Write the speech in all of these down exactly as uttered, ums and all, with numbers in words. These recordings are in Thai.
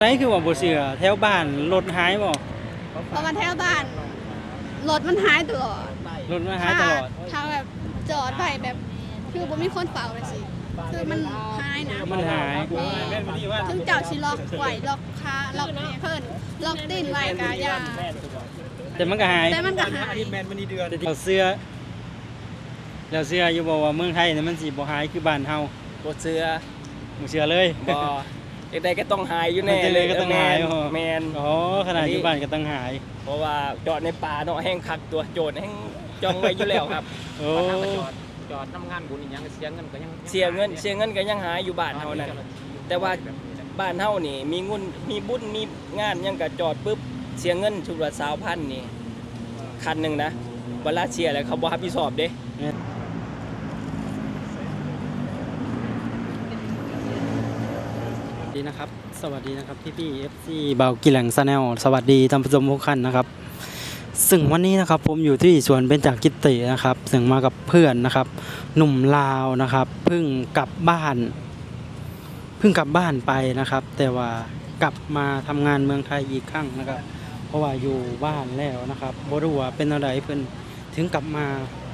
ไหนคือว่าบ่เชื่อแถวบ้านรถหายบ่เพราะมันแถวบ้านรถมันหายตลอดรถมันหายตลอดถ้าแบบจอดไปแบบคือบ่มีคนเฝ้าเลยสิคือมันหายนะมันหายถึงเจ้าสิล็อกไว้ล็อกขาล็อกนี่เพิ่นล็อกตีนไว้ก็อย่าแต่มันก็หายแต่มันก็หายเราเสื้อแล้วเสื้ออยู่บ่ว่าเมืองไทยนี่มันสิบ่หายคือบ้านเฮาบ่เชื่อบ่เชื่อเลยบ่จังได๋ก็ต้องหายอยู่แน่เลยก็ต้องหายแม่นอ๋อขนาดอยู่บ้านก็ต้องหายเพราะว่าจอดในป่าเนาะแห้งคักตัวโจรแห้งจ้องไว้อยู่แล้วครับโอ้จอดจอดทำงานบุญอีหยังเสียเงินก็ยังเสียเงินเสียเงินก็ยังหายอยู่บ้านเฮานั่นแต่ว่าบ้านเฮานี่มีงุ่นมีบุญมีงานยังก็จอดปึ๊บเสียเงินชุดละ สองพัน นี่คันนึงนะเวลาเสียแล้วเขาบ่รับผิดชอบเด้ดีนะครับสวัสดีนะครับพี่พี่ เอฟ ซี เบากิแหลงชาแนลสวัสดีท่านผู้ชมทุกท่านนะครับซึ่งวันนี้นะครับผมอยู่ที่สวนเบญจกิตินะครับซึ่งมากับเพื่อนนะครับหนุ่มลาวนะครับเพิ่งกลับบ้านเพิ่งกลับบ้านไปนะครับแต่ว่ากลับมาทำงานเมืองไทยอีกครั้งนะครับเพราะว่าอยู่บ้านแล้วนะครับบ่รู้ว่าเป็นอะไรเพิ่นถึงกลับมา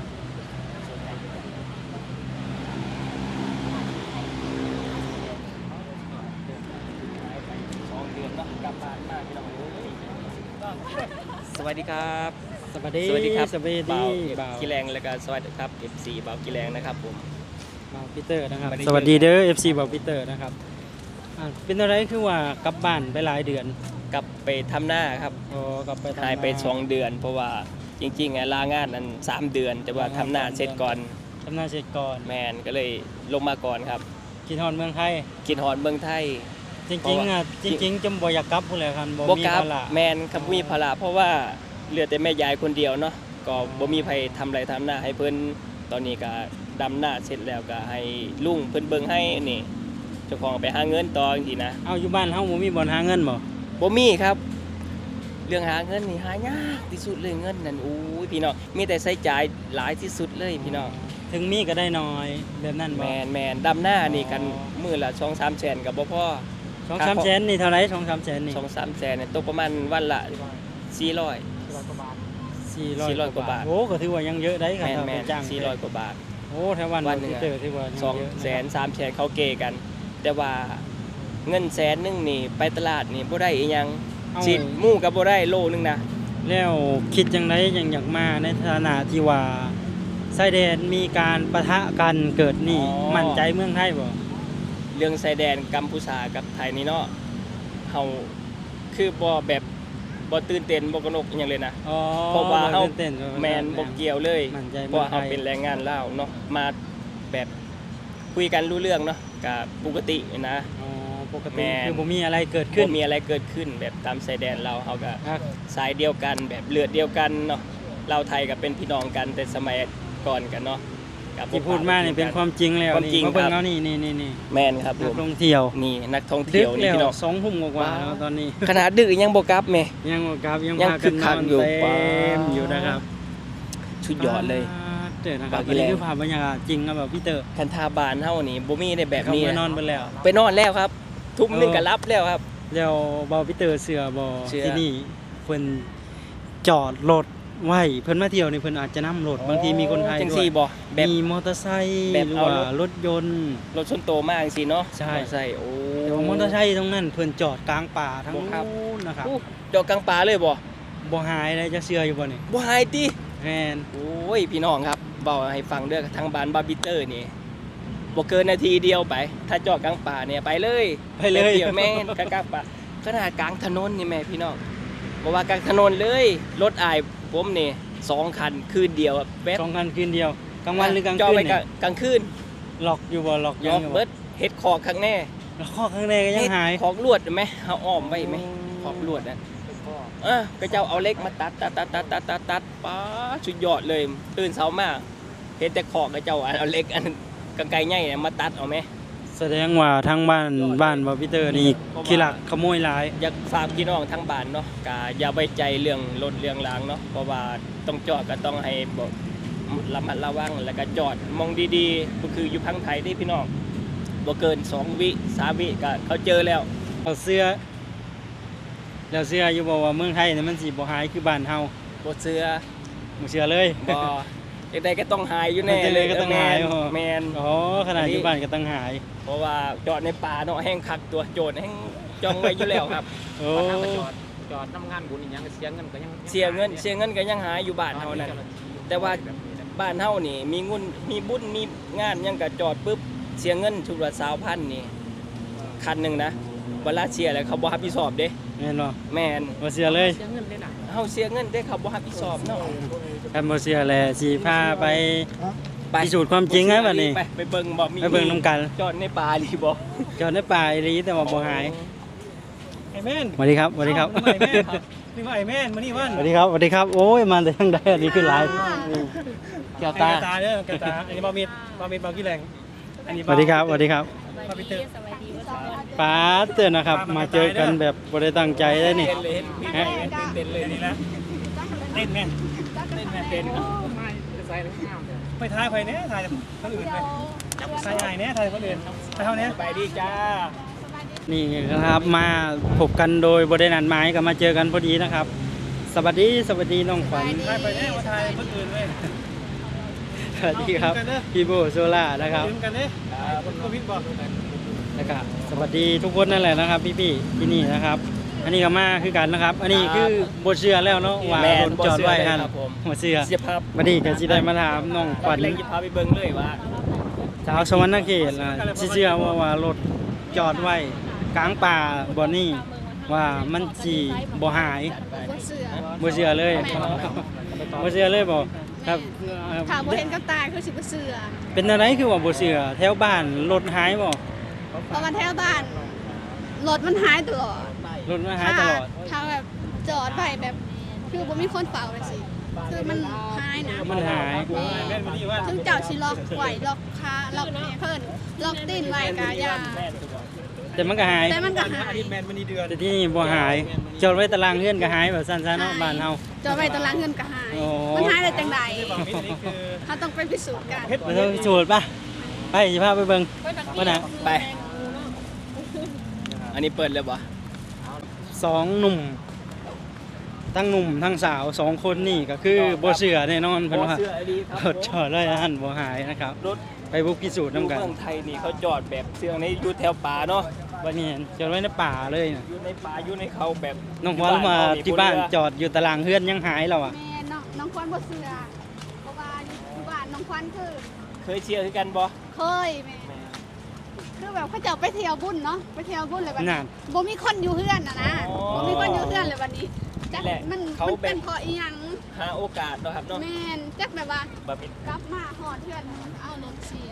สวัสดีครับสวัสดีสวัสดีครับสวัสดีบ่าวกิแลงแล้วก็สวัสดีครับ เอฟ ซี บ่าวกิแลงนะครับผมบ่าวปีเตอร์นะครับสวัสดีเด้อ เอฟ ซี บ่าวปีเตอร์นะครับเป็นอะไรคือว่ากลับบ้านไปหลายเดือนกลับไปทำหน้าครับอ๋อกลับไปทำหน้าหายไปสองเดือนเพราะว่าจริงๆอ่ะลางานนั้นสามเดือนแต่ว่าทำหน้าเสร็จก่อนทำหน้าเสร็จก่อนแมนก็เลยลงมาก่อนครับกินฮอนเมืองไทยกินฮอนเมืองไทยจริงๆอ่ะจริงๆจำบ่อยากกลับพุ่นแหละครับบ่มีภาระแมนครับมีภาระเพราะว่าเหลือแต่แม่ยายคนเดียวเนาะก็บ่มีใครทำไรทำหน้าให้เพิ่นตอนนี้ก็ดำหน้าเสร็จแล้วก็ให้ลุงเพิ่นเบิ่งให้นี่เจ้าของไปหาเงินต่อจังซี่นะเอาอยู่บ้านเฮาบ่มีบ่อนหาเงินบ่บ่มีครับเรื่องหาเงินนี่หายากที่สุดเลยเงินนั่นอู้ยพี่น้องมีแต่ใช้จ่ายหลายที่สุดเลยพี่น้องถึงมีก็ได้น้อยแบบนั้นบ่แม่นๆดำหน้านี่กันมื้อละ สองสาม แสนก็บ่พอสองสาม แสนนี่เท่าไหร่ สองสาม แสนนี่สองสาม แสนนี่ตกประมาณวันละสี่ร้อยสี่ร้อยกว่าบาทโอ้ก็ถือว่ายังเยอะได้ครับแม่นๆสี่ร้อยกว่าบาทโอ้แถววันนึงเจอถือว่าสองแสนสามแสนเขาเกกันแต่ว่าเงินแสนนึงนี่ไปตลาดนี่บ่ได้อีหยังสิหมู่ก็บ่ได้โลนึงนะแล้วคิดจังได๋ยังอยากมาในฐานะที่ว่าชายแดนมีการปะทะกันเกิดนี่มั่นใจเมืองไทยบ่เรื่องชายแดนกัมพูชากับไทยนี่เนาะเฮาคือบ่แบบบ่ตื่นเต้นบ่กระหนกอีหยังเลยนะเพราะว่าเฮาแม่นบ่เกี่ยวเลยเพราะเฮาเป็นแรงงานลาวเนาะมาแบบคุยกันรู้เรื่องเนาะก็ปกตินะอ๋อปกติคือบ่มีอะไรเกิดขึ้นบ่มีอะไรเกิดขึ้นแบบตามชายแดนเราเฮาก็สายเดียวกันแบบเลือดเดียวกันเนาะลาวไทยก็เป็นพี่น้องกันแต่สมัยก่อนกันเนาะที่พูดมานี่เป็นความจริงแล้วนี่เขาเบิ่งเอานี่นี่ๆแม่นครับนักท่องเที่ยวนี่นักท่องเที่ยวนี่พี่น้องสองทุ่มกว่าแล้วตอนนี้ขนาดดึกยังบ่กลับแม่ยังบ่กลับยังพากันนอนอยู่เต็มอยู่นะครับสุดยอดเลยเด้อนะครับอันนี้คือภาพบรรยากาศจริงครับแบบพี่เตอร์คันทาบ้านเฮานี่บ่มีได้แบบนี้ไปนอนไปแล้วไปนอนแล้วครับทุ่มนึงก็รับแล้วครับแล้วเบาพี่เตอร์เสือบ่ที่นี่เพิ่นจอดรถไว้เพิ่นมาเที่ยวนี่เพิ่นอาจจะนำรถบางทีมีคนไทยด้วยมีมอเตอร์ไซค์หรือว่ารถยนต์รถส่วนตัวมากจังซี่เนาะใช่ใช่โอ้แต่ว่ามอเตอร์ไซค์ตรงนั้นเพิ่นจอดกลางป่าทั้งนู้นนะครับจอดกลางป่าเลยบ่บ่หายเลยจะเชื่ออยู่บ่นี่บ่หายติแม่นโอ้ยพี่น้องครับเว้าให้ฟังเด้อทางบ้านบาร์บิเตอร์นี่บ่เกินนาทีเดียวไปถ้าจอดกลางป่าเนี่ยไปเลยไปเลยเดี๋ยวแม่นกลางป่าขนาดกลางถนนนี่แม่พี่น้องบ่ว่ากลางถนนเลยรถอ้ายผมนี่สองคันคืนเดียวแป๊บสองคันคืนเดียวกลางวันหรือกลางคืนจอไปกลางคืนล็อกอยู่บ่ล็อกยังอยู่เบิดเฮ็ดคอกข้างแน่คอกข้างในก็ยังหายคอกลวดมั้ยเฮาอ้อมไว้มั้ยคอกลวดน่ะเออก็เจ้าเอาเหล็กมาตัดตัดตัดตัดตัดตัดตัดป๊าสุดยอดเลยตื่นเช้ามาเฮ็ดแต่คอกก็เจ้าเอาเหล็กอันกางไกรใหญ่มาตัดเอามั้ยแสดงว่าทางบ้านบ้านบ่พีเตอร์นี่ขี้ลักขโมยหลายอยากฝากพี่น้องทั้งบ้านเนาะก็อย่าไว้ใจเรื่องรถเรื่องรางเนาะเพราะว่าต้องจอดก็ต้องให้บ่ระมัดระวังแล้วก็จอดมองดีๆก็คืออยู่พังไทยนี่พี่น้องบ่เกินสองวิสามวิก็เขาเจอแล้วเอาเสื้อแล้วเชื่ออยู่บ่ว่าเมืองไทยเนี่ยมันสิบ่หายคือบ้านเฮาบ่เชื่อบ่เชื่อเลยบ่จังได๋ก็ต้องหายอยู่แน่จังเลใดยก็ต้องหายแม่นบ่แม่นอ๋อขนาดอยู่บ้านก็ต้องหายเพราะว่าจอดในป่าเนาะแห้งคักตัวโจรแห้งจ้องไว้อยู่แล้วครับโอ้บ้านเฮาก็จอดจอดทำงานบุญอีหยังก็เสียเงินก็ยังเสียเงินเสียเงินก็ยังหายอยู่บ้านเฮานั่นแต่ว่าบ้านเฮานี่มีงุนมีบุญมีงานหยังก็จอดปุ๊บเสียเงินชุดละสองพันนี่คันหนึงนะเวลาเสียแล้วเขาบ่รับผิดชอบเด้แม่นบ่แม่นบ่เชื่อเลยเสียเงินเลยน่ะเฮาเสียเงินแต่เขาบ่รับผิดชอบเนาะคันบ่เชื่อแลสิพาไปไปพิสูจน์ความจริงให้บัดนี้ไปไปเบิ่งบ่มีไปเบิ่งนำกันจอดในป่าอีหลีบ่จอดในป่าอีหลีแต่ว่าบ่หายไอ้แม่นสวัสดีครับสวัสดีครับไอ้แม่นนี่ว่าไอ้แม่นมานี่วันสวัสดีครับสวัสดีครับโอ้ยมาแต่ทางใดอันนี้คือหลายแก้วตาตาตาเด้อแกตาอันนี้บามิดบามิดบากี่แรงอันนี้สวัสดีครับสวัสดีครับบาปิเตอร์ป้าเตือนนะครับ มาเจอกันแบบบ่ได้ตั้งใจได้นี่เต้นเลยเห็นพี่ฮะเต้นเลยอันนี่นี้นะเต้นแม่นเต้นแม่เต้นจะใส่แล้วงามเด้อไปทายไปเนี้ยทายคนอื่นไปทายไอ้เนี้ยทายคนอื่นทายเท่านี้ไปดีจ้านี่นะครับมาพบกันโดยบ่ได้นัดหมายก็มาเจอกันพอดีนะครับ สวัสดีสวัสดีน้องขวัญทายไปเนี้ยมาทายคนอื่นเลยสวัสดีครับพี่โบโซล่านะครับยืมกันเนี้ยคนโควิดบอกนะครับสวัสดีทุกคนนั่นแหละนะครับ พี่ๆที่นี่นะครับ อันนี้ก็มาคือกันนะครับ อันนี้คือบ่เชื่อแล้วเนาะว่าแม่รนถบ่จอดเชื่อไว้เลยหั่นครับผมบ่เชื่อเสียภาพบัดนี้ก็สิได้มาถามน้องขวัญเล็กจะพาไปเบิ่งเลยว่าชาวสวรรณเขตนะสิเชื่อว่าว่ารถจอดไว้กลางป่าบ่นี่ว่ามันสิบ่หายบ่เสือบ่เชื่อเลยบ่เชื่อเลยบ่ครับเอ่อถามบ่เห็นกับตาคือสิบ่เสือเป็นอะไรคือว่าบ่เชื่อแถวบ้านรถหายบ่เพราะว่าแถวบ้านรถมันหายตลอดรถมันหายตลอดถ้าแบบจอดไว้แบบคือบ่มีคนเฝ้าเลยสิคือมันหายนะมันหายแม่แม่นมานี่ว่าถึงเจ้าสิล็อกไว้ล็อกขาล็อกเนี่ยเพิ่นล็อกตีนไว้ก็อย่าแต่มันก็หายแต่มันก็หาอาย ทิตย์แมนมานี่เดือนแต่ที่นี่บ่หายจอดไว้ตารางเฮือนก็หายแบบสั้นๆเนาะบ้านเฮาจอดไว้ตารางเงินก็หายโอ้มันหายได้จังไดบามิดนี่คือเฮาต้องไปพิสูจน์กันเพชรไปเบิ่งพิสูจน์ป่ะไปสิพาไปเบิ่งว่าน่ะไป อันนี้เปิดเลยบ่สองหนุ่มทั้งหนุ่มทั้งสาวสองคนนี่ก็คือบ่เชื่อแน่นอนเพิ่นว่าเสื้อดีครัรถจอดไว้หั่นบ่หายนะครับรถไปบุกพิสูจน์นํกันเมืองไทยนี่เขาจอดแบบเสื้อในอยู่แถวป่าเนาะวันนี้จอดไว้ในป่าเลยน่ะอยู่ในป่าอยู่ในเขาแบบน้องขวัญมาที่บ้านจอดอยู่ตารางเฮือนยังหายแล้วอ่ะแม่น้องน้องควันบ่เสือเพราะว่าอยู่บ้านน้องควันคือเคยเชียร์คือกันบ่เคยแม่คือแบบเขาจะไปเที่ยวบุญเนาะไปเที่ยวบุญเลยบัดนั่นี้นบ่มีคนอยู่เฮือนน่ะนะบ่มีคนอยู่เฮือนเลยวันนี้จักมันมันเป็นเพราะอีหยังหาโอกาสเนาะครับเนาะแม่นจักแบบว่าบ่มีกลับมาหอดเฮือนเอารถเสีย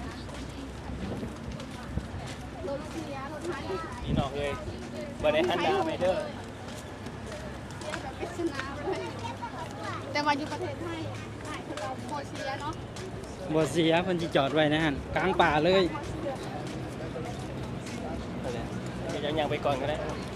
รถเสียรถหายพี่น้องเอ้ยบ่ได้หันดาไปเด้อเสียแบบปริศนาเลยแต่ว่าอยู่ประเทศไทยหายคือเราโมเสียเนาะบ่เสียเพิ่นสิจอดไว้นะหั่นกลางป่าเลยเดี๋ยวยังๆไปก่อนก็ได้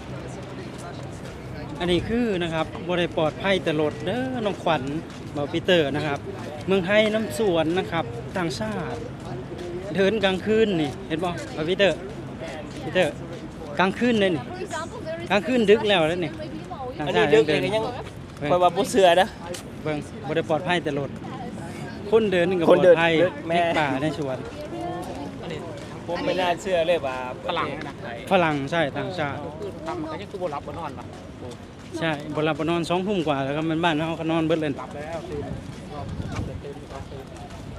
อันนี้คือนะครับบริปลอดภัยแต่รถเด้อน้องขวัญบอปีเตอร์นะครับ เมืองไทยน้ำสวนนะครับต่างชาติเดินกลางคืนนี่เห็นบ่บอปีเตอร์ปีเตอร์กลางคืนเลยนี่กลางคืนดึกแล้วแล้วนี่ต่างอันชานี้ติดึกเดิเลยนก็ยังคอยว่าบ่เชื่อนะเบิ่งบริปลอดภัยแต่รถคนเดินนี่ก็ปคนลอเดิดนภัยเดินแม่ในป่าในสวนผมไม่น่าเชื่อเลยว่าฝรั่งนะไทยฝรั่งใช่ต่างชาติคือทำก็ยังคือบ่รับบ่นอนป่ะใช่บนหลับบนนอนสองทุ่มกว่าแล้วก็มันบ้านเขาก็นอนเบิดเลยหลับแล้วตื่นรอบตื่นตื่นตื่นตื่น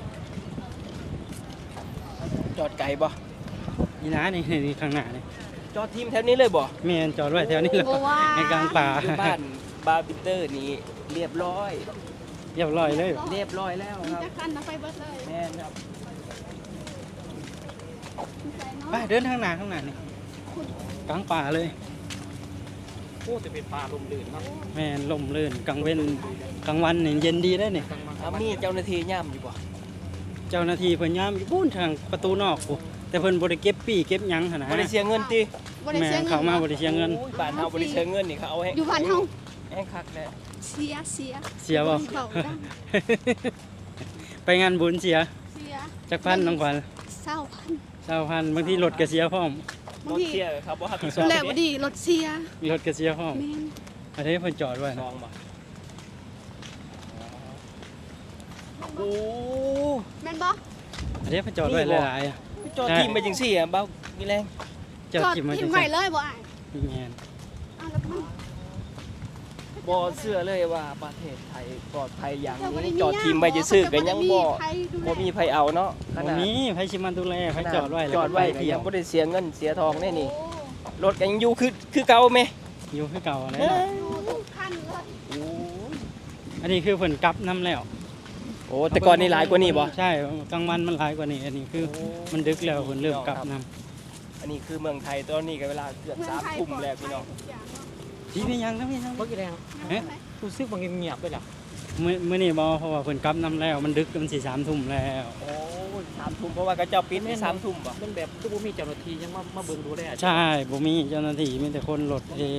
จอดไกลบ่นี่นะนี่นี่ข้างหน้านี่จอดทีมแถวนี้เลยบ่แม่นจอดไว้แถวนี้เลยบ่ว่าในกลางป่าอยู่บ้านบาร์บิเตอร์นี้เรียบร้อยเรียบร้อยเลยเรียบร้อยแล้วครับจักคันเอาไปเบิดเลยแม่นครับไปเดินทางหน้าข้างหน้านี่กลางป่าเลยโอ้แต่เป็นป่าลมลื่นเนาะแม่นลมลื่นกลางเว้นกลางวันนี่เย็นดีได้นี่กลางวันอามีเจ้าหน้าที่ย่ำอยู่บ่เจ้าหน้าที่เพิ่นยามอยู่พูนทางประตูนอกพูแต่เพิ่นบ่ได้เก็บปี้เก็บหยังหั่นนะบ่ได้เสียเงินติบ่ได้แม่เสียเงินเขามาบ่ได้เสียเงินโอ้ยบ้านเฮาบ่ได้เสียเงินนี่เขาเอาให้อยู่บ้านเฮาให้คักแหละเสียเสียเสียบ่เขาได้ไปงานบุญเสียเสียจักพันน้องขวัญเศร้าพันเก้าพันบางทีรถก็เสียพร้อมบางรถทีเสียครับบ่รับผิดชอบแล้วบ่ดีรถเสียรถก็เสียพร้อมแม่นแม่นครับใช่บ่รับบ่นอนสองทุ่มกว่าแล้วก็มันบ้านเฮาก็นอนเบิดเลยแม่นอันนี้เพิ่นจอดไว้ซนะองบ่โอ้แม่นบ่อันนี้เพิ่นจอดไว้หลายๆอ่ะจอดทีมไปจังซี่อ่ะเบามีแรงจอดทิ่มมาทิ่จัมงไว้ซี่เลยบ่อ้ายพี่แม่นอ้าวแล้วมันบ่เชื่อเลยว่าประเทศไทยปลอดภัยอย่างเจ้าบ่ได้นี้มีจอดทีมไปจะซื้อก็ยังบ่ใครดูแลบ่มีไผเอาเนาะขบ่นาดมีไผสิมาดูแลไผจอดไว้แล้วจอดไว้ก็ก็เที่ยยัวงบ่ได้เสียเงินเสียทองแน่นี่โอ้รถก็ยังอยู่คือคือเก่าแม่อยู่คือเก่าอะไรเอ้เนาะยดูทุกขั้นเลยโอ้ยอันนี้คือเพิ่นกลับน้ำแล้วโอ้แต่ก่อนนี่หลายกว่านี้บ่ใช่กลางวันมันหลายกว่านี้อันนี้คือมันดึกแล้วเพิ่นเริ่มกลับน้อันนี้คือเมืองไทยตอนนี้ก็เวลาเกือบสามทุ่มแล้วพี่น้องำพี่เป็นยังครับพี่ยังเมื่อกี้แรงเอ๊ะรู้สึกว่าเงียบๆไปแล้วมื้อมื้อนี้บ่เพราะว่าเพิ่นกลับน้ำแล้วมันดึกมันสิสามทุ่มแล้วโอ้ยสามทุ่มเพราะว่าเขาเจ้าปิดที่สามทุ่มบ่มันแบบคือบ่มีเจ้าหน้าที่ยังมามาเบิ่งดูแลใช่บ่มีเจ้าหน้าที่มีแต่คนรถเอง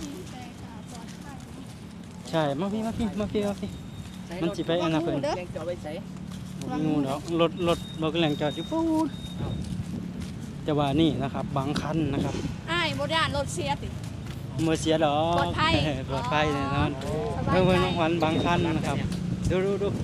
ใช่มาพี่มาพี่มาพี่มาพี่ มันสิไปอันนั้นเพิ่นเลี้ยงจอดไว้ใส่บ่มีงูดอกรถรถรถกำลังจอดอยู่ปูดแต่ว่านี่นะครับบางคันนะครับอ้ายบ่ได้อ่านรถเสียติบ่เสียดอกปลอดภัยเปลอดภัยแน่นอนสบายเพิ่นใจเพิ่นน้องขวัญบางคันนะครับดูดูดู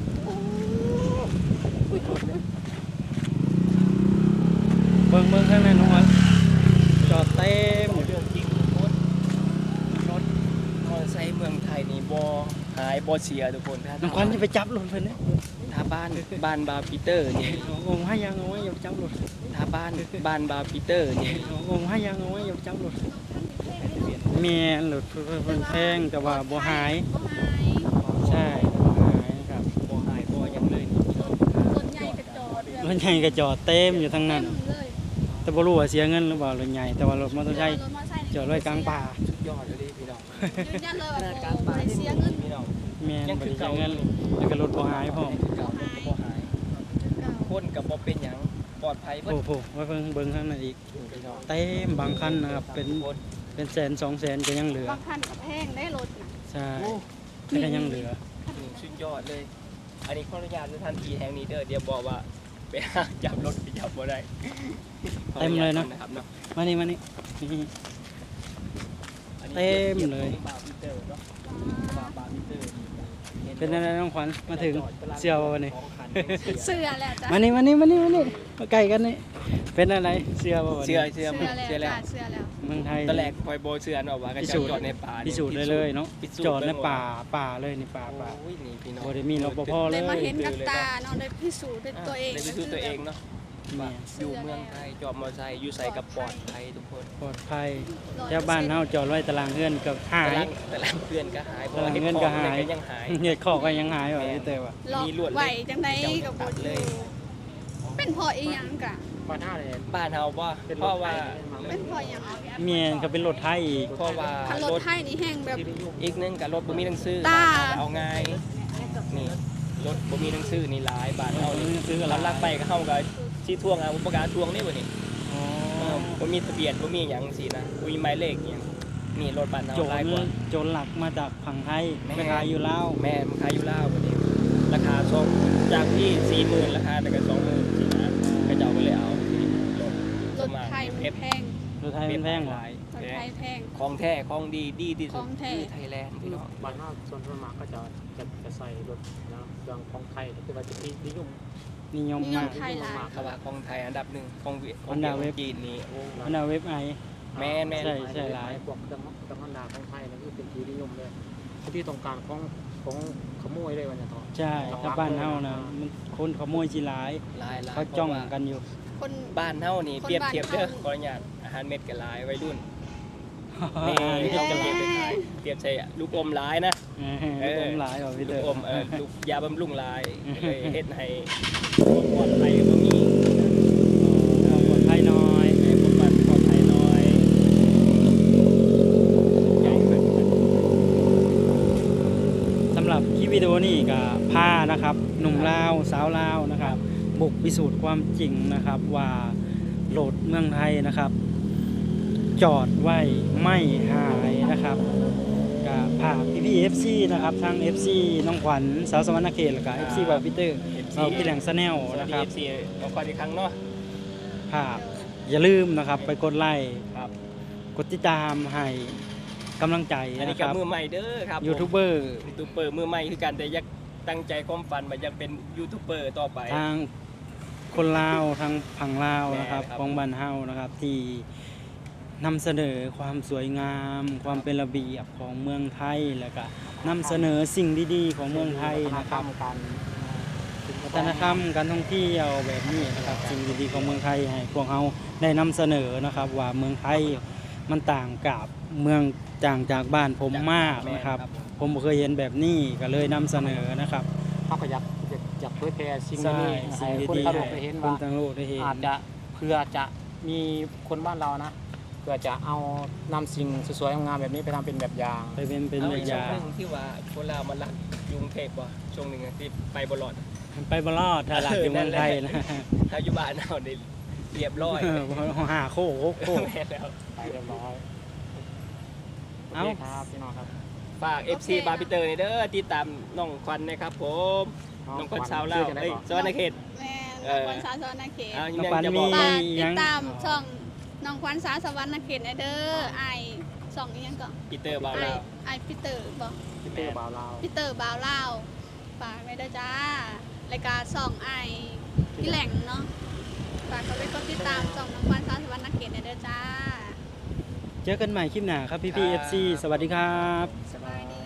เบิ่งเบิ่งข้างในน้องขวัญจอดเต็มอยู่เรื่องจริงทุกคนรถมอเตอร์ไซค์เมืองไทยนี่บ่หายบ่เสียทุกคนถ้าน้องขวัญจะไปจับรถเพิ่นเด้ถ้าบ้านบ้านบาร์ปีเตอร์นี่โอ้ให้ยังเอาไว้อย่าไปจับรถถ้าบ้านบ้านบาร์ปีเตอร์นี่โอ้ให้ยังเอาไว้อย่าไปจับรถแม่นรถเพิ่นเพิ่นแพงแต่ว่าบ่หายบ่หายใช่บ่หายครับบ่หายบ่หยังเลยนี่รถใหญ่กระจอดรถใหญ่ก็จอดเต็มอยู่ทั้งนั้นเต็มเลยแต่บ่รู้ว่าเสียเงินหรือเปล่ารถใหญ่แต่ว่ารถมอเตอร์ไซค์รถมอเตอร์ไซค์จอดไว้กลางป่าสุดยอดเลยพี่น้องยืนยันเลยขว่านาดกโอ้ลางป่าบ่ได้เสียเงินพี่น้องแม่นยังบ่คือได้เสีเก่ายเงินแล้วก็รถบ่หายพร้อมเก่าบ่หายคนก็บ่เป็นหยังปลอดภัยเบิดโอ้โหไว้เพิ่งเบิ่งข้างในอีกพี่น้องเต็มบางคันนะครับเป็นคนเป็นแสนสองแสนก็ยังเหลือบางคันก็แพงได้รถน่ะใช่แต่ก็ยังเหลือนี่สุดยอดเลย อันนี้ขออนุญาตสถานที่แห่งนี้เด้อเดี๋ยวบอกว่าไปหาจับรถไปจับบ่ได้เต็มเลยเนาะนะครับเนาะมานี่มานี่นี่อันนี้เต็มเลยบาร์บีเตอร์เนาะบาร์บาร์บีเตอร์นี่เป็นอะไรน้องขวัญมาถึงเสื้อบ่วันนี้ของขันเป็นเสื้อเสื้อแหละจ้ะมานี่มานี่มานี่มานี่มาใกล้กันนี่เป็นอะไรเสื้อบ่วันเสื้อนี้เสื้อเสื้อแล้วเสื้อแล้วจ้ะเสื้อแล้วเมืองไทยตอนแรกคอยโบเสื้อเนาะว่าก็พิจะสูจน์จอดในป่าพิสูจน์ได้เลยเนาะพิสูจน์จอดในเบิ่งว่ป่าป่าเลยนี่ป่าป่าโอ้ยนี่พี่น้องบ่ได้มีรปภเลได้ยมาเห็นกับตาเนาะได้พิสูจน์ด้วยตัวเองได้พิสูจน์ตัวเองเนาะแม่ว่าอยู่เมืองไทยจอดมอเตอร์ไซค์อยู่ใส่กับปลอดภัยทุกคนปลอดภัยแถวบ้านเฮาจอดไว้ตารางเฮือนเกับหาแต่ยละแต่ละเพื่อนก็หายเพราะตารางว่าเห็ดเงินขก็องหาเนี่ยยก็ยังหายเฮ็ดข้อก็ยังหายว่ะพี่เต้ว่าหลอกมีลวดไหวเหล็กจังไดกับบ่ตัดอเลยยู่เป็นพออีหยังกะบ้านหน้าเลยบ้านเฮาว่าเพราะว่าเป็นพอหยังเมียนก็เป็นรถไทยอีกเพราะว่าคันรรถถไทยนี่แห้งแบบอีกหนึงกับรถบ่มีหนังสือตาเอาง่ายนี่รถบ่มีหนังสือนี่หลายบ้านเฮานี่ซื้ออะไรเราลักไปก็เฮาก็สิทวงเอาอุปการทวงนี่บ่นี่อ๋อเออบ่มีทะเบียนบ่มีหยังสินะบ่มีหมายเลขอิหยังนี่รถบ้านเฮาโจหลายรกว่าโจรหลักมาจากฝั่งไทยแม่ไปขายอยู่ลาวแม่มันขายอยู่ลาวบ่นี่ราคาสองจากที่ สี่หมื่นราคาแต่ก็ สองหมื่นสินะก็เจ้าก็เลยเอาที่รถรถไทยมันแพงรถไทยมันแพงเหรอรถไทยแพงของแท้ของดีดีที่สุขดองแท้คือไทยแลนด์พี่น้องบ้านหน้าส่วนส่วนมากก็จะจะจะใส่รถนะเครื่องของไทยคือว่าจะที่นิยมนิยมนิยมาม กไทยหลายเขาว่าของไทยอันดับหนึ่งของเวียของอันดับเว็บจีนนี่โอ้อันดับเว็บไอแม่นแม่นใช่ใช่หลายพวกเครื่องเครื่องฮอนด้าของไทยนั่นคือเป็นที่นิยมเลยที่ต้องการของของขโมยเลยวันนี้ต่อใช่ถ้าบ้านเฮานะมันคนขโมยจีหลายหลายหลายเขาจ้องพระว่กันอยู่คนบ้านเฮานี่คนเปรียบเทียบเด้อบ้านเฮาขออนุญาตอาหารเม็ดกับหลายวัยรุ่นนี่นี่เขาเขาจะจะเรีเรียยกกไปไปขายเปรียบใส่ลูกอมหลายนะเออลูกอมหลายเหรอพี่ลูเตอกอมเออลูกยาบำรุงหลายเลยเฮ็ดให้ปลอดภัยบ่มีปลอดภัยน้อยให้พวกมันปลอดภัยน้อยใหญ่เพิ่นสำหรับคลิปวิดีโอนี้ก็พานะครับหนุ่มลาวสาวลาวนะครับ บุกพิสูจน์ความจริงนะครับว่าโหลดเมืองไทยนะครับ จอดไว้ไม่หายนะครับกับภาพพี่พี่เอฟซีนะครับทั้ง เอฟ ซี น้องขวัญสาวสวรรณเขตแล้วก็ เอฟ ซี บาร์บิเตอร์เอฟซีเราพี่แหลงซแนลสวัสนะดีครับเอฟซีเอาก่อนอีกครั้งเนาะภาพอย่าลืมนะครับไปกดไลค์ครับกดติดตามให้กำลังใจอันนี้นะคก็รับมือใหม่เด้อครับยูทูบเบอร์ยูทูบเบอร์มือใหม่คือกันแต่อยากตั้งใจความฝันว่าอยากเป็นยูทูบเบอร์ต่อไปทางคนลาวทางฝั่งลาวนะครับแม่ครับของบ้านเฮานะครับที่นำเสนอความสวยงาม ความเป็นระเบียบของเมืองไทยแล้วก็นำเสนอสิ่งดีๆของเมืองไทยนะครับการวัฒนธรรมการท่องเที่ยวแบบนี้นะครับสิ่งดีๆของเมืองไทยให้พวกเราได้นำเสนอนะครับ ว่าเมืองไทยมันต่างกับเมืองต่างจากบ้านผมมากนะครับ ผมบ่เคยเห็นแบบนี้ก็เลยนำเสนอนะครับเขาก็อยากอยากอยากเผยแพร่สิ่งใช่นี้สิ่งให้คนดีทั่วๆโลกได้ให้เห็นคนว่าทั้งโลกได้เห็นอาจจะเพื่อจะมีคนบ้านเรานะเพื่อจะเอานำสิ่งสวยๆงามๆแบบนี้ไปทำเป็นแบบอย่างไปเป็นเป็นเอาแบอีบกอช่วงย่างหนึงที่ว่าคนลาวมาลักอยกรุงเทพบ่ช่วงหนึงอะที่ไปบ่รอดไปบรอดถ้าหลักอยู่เมืองไทยนะถ้าอยู่บ้านเฮาได้เรียบร้อยเออหาโคกโคกแม่นแล้วไปเรียบร้อยเอ้าโอเคครับพี่น้องครับฝาก เอฟ ซี บาร์บิเตอร์นี่เด้อติดตามน้องควันนะครับผมน้องควันชาวลาวเอ้ยสวรรณเขตแม่เออน้องควันสาสวรรณเขตอ้าวน้องยังควันจะบมีอกฝากยัติดงตามช่องน้องควันสาสวรรณเขตเด้อไอช่องอีหยังก็ปีเตอร์บาวไอลาวไอพีเตอร์บ่พี่เต้บ่าวลาวพีเตอร์บาวลาวฝากไว้เด้อจ้ารายการช่องไอพี่แหล่งเนาะฝากเขาไปกดติดตามช่องน้องควันสาสวรรณเขตเด้อจ้าเจอกันใหม่คลิปหน้าครับพี่พี่ เอฟ ซี สวัสดีครับสบายดี